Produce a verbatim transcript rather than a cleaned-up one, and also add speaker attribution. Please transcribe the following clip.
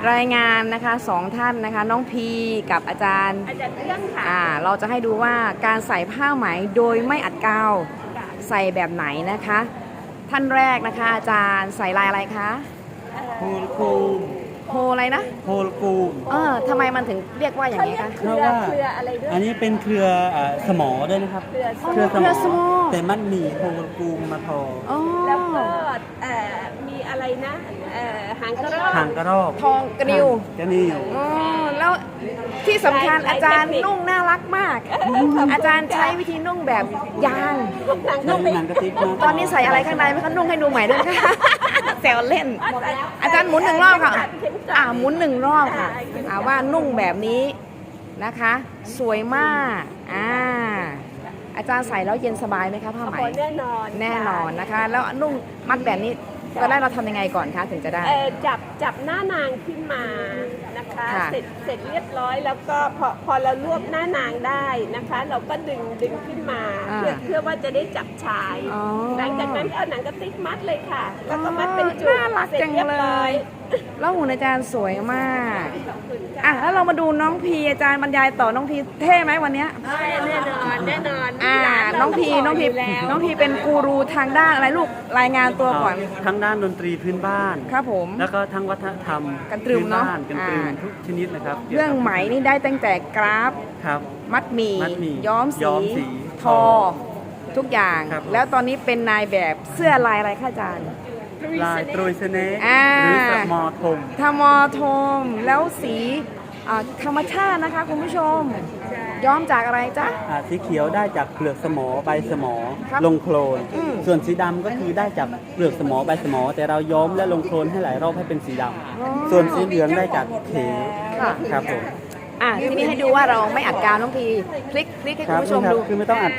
Speaker 1: รายงานนะคะสองท่านนะคะน้องพีกับอาจารย์
Speaker 2: อาจารย์เรื่องค่ะ
Speaker 1: อ่าเราจะให้ดูว่าการใส่ผ้าไหมโดยไม่อัดกาวใส่แบบไหนนะคะ ท่านแรกนะคะอาจารย์ใส่ลายอะไรคะ
Speaker 3: โฮลกูม
Speaker 1: โฮอะไรนะ
Speaker 3: โฮลกูม
Speaker 1: เออทำไมมันถึงเรียกว่าอย่าง
Speaker 2: เขา
Speaker 1: นี้
Speaker 2: เรียก
Speaker 1: คะ
Speaker 2: เครือ
Speaker 3: เพราะว่า
Speaker 2: เครืออะไรด้วย
Speaker 3: อันนี้เป็นเครืออ่าสมอด้วยนะครับ
Speaker 2: เครือ
Speaker 1: เครือสมอ
Speaker 3: แต่มันมีโฮลกูมมาทอ
Speaker 1: อ๋อ
Speaker 2: แล้วก็เอ่อมีอะไรนะเอ่อหางกระรอก
Speaker 3: หางกระรอก
Speaker 1: ทองกระนิว
Speaker 3: กระนิว
Speaker 1: อ๋อแล้วที่สำคัญอาจารย์นุ่งน่ารักมาก อาจารย์ใช้วิธีนุ่งแบบยาง
Speaker 2: หาง
Speaker 3: ใช้
Speaker 2: กระ
Speaker 3: หนังกระติกมา
Speaker 1: ตอนนี้ใส่อะไรข้างในไหมคะนุ่งให้ดูใหม่ด้วยค่ะ แซวเล่น อาจารย์หมุนหนึ่งรอบค่ะ อ่าหมุนหนึ่งรอบค่ะอ่าว่านุ่งแบบนี้นะคะ สวยมากอ่าอาจารย์ใส่แล้วเย็นสบายไหมคะผ้าไหม
Speaker 2: โอ้แน่นอน
Speaker 1: แน่นอนนะคะ แล้วนุ่งมัดแบบนี้ตอนแรกเราทำยังไงก่อนคะถึงจะได้
Speaker 2: เอ่อจับจับหน้านางขึ้นมานะคะ
Speaker 1: ค่ะ
Speaker 2: เสร็จเสร็จเรียบร้อยแล้วก็พอพอเรารวบหน้านางได้นะคะ เราก็ดึงดึงขึ้นมา
Speaker 1: อ่า
Speaker 2: เพื่อเพื่อว่าจะได้จับชาย
Speaker 1: อ๋อ
Speaker 2: หลังจากนั้นก็เอาหนังกระติกมัดเลยค่ะ แล้วก็มัดเป็นจุก
Speaker 1: น่ารัก
Speaker 2: เสร็จ
Speaker 1: จัง
Speaker 2: เรียบ
Speaker 1: เล
Speaker 2: ร้อย
Speaker 1: ย แล้วหุ่นอาจารย์สวยมากอ่ะแล้วเรามาดูน้องพีอาจารย์บรรยายต่อน้องพีเท่ไหมวันเนี้ย
Speaker 2: แน่นอนแน่นอน
Speaker 1: อ่า
Speaker 2: หลาเรา
Speaker 1: น้องพี
Speaker 2: ก็
Speaker 1: น้องพี
Speaker 2: บกยู่แล้ว
Speaker 1: น้องพีเป็นกูรูทางด้านอะไรลูกรายงานตัวก่อน
Speaker 3: ทั้งด้านดนตรีพื้นบ้าน
Speaker 1: ครับผม
Speaker 3: แล้วก็ทั้งวัฒนธรรม
Speaker 1: กันตรึม
Speaker 3: พื้
Speaker 1: เนอะ
Speaker 3: บ้านกันตรึม
Speaker 1: อ่า
Speaker 3: ทุกชนิดนะครับ
Speaker 1: เรื่องไหมนี่ได้ตั้งแต่กราฟ
Speaker 3: ครับ
Speaker 1: มัดหมี่
Speaker 3: มัดหมี่
Speaker 1: ย้อม
Speaker 3: ย้
Speaker 1: สี
Speaker 3: อมสี
Speaker 1: ทอ ทุกอย่าง
Speaker 3: ครับ
Speaker 1: แล้วตอนนี้เป็นนายแบบเสื้อลายอะไรคะอาจารย์
Speaker 3: ลายตรุยเสน่ห์
Speaker 1: อ่า
Speaker 3: หรือสมอทม
Speaker 1: ทมอโทมแล้วสีอ่าธรรมชาตินะคะคุณผู้ชม ย้อมจากอะไรจ๊ะ
Speaker 3: อ่าสีเขียวได้จากเปลือกสมอใบสมอ
Speaker 1: ครับ
Speaker 3: ลงโคลน
Speaker 1: อืม
Speaker 3: ส่วนสีดำก็คือได้จากเปลือกสมอใบสมอ แต่เราย้อมและลงโคลนให้หลายรอบให้เป็นสีดำส่วนสีเหลืองได้จากเข
Speaker 1: ค่ะ
Speaker 3: ครับผม
Speaker 1: อ่ะทีนี้ให้ดูว่าเราไม่อัดกาวน้องพีคลิกคลิกให้
Speaker 3: ค
Speaker 1: คุ
Speaker 3: รั
Speaker 1: ณ
Speaker 3: บ
Speaker 1: ผู้ชม
Speaker 3: นี่ครับ
Speaker 1: ดู
Speaker 3: คือไม่ต้องอัด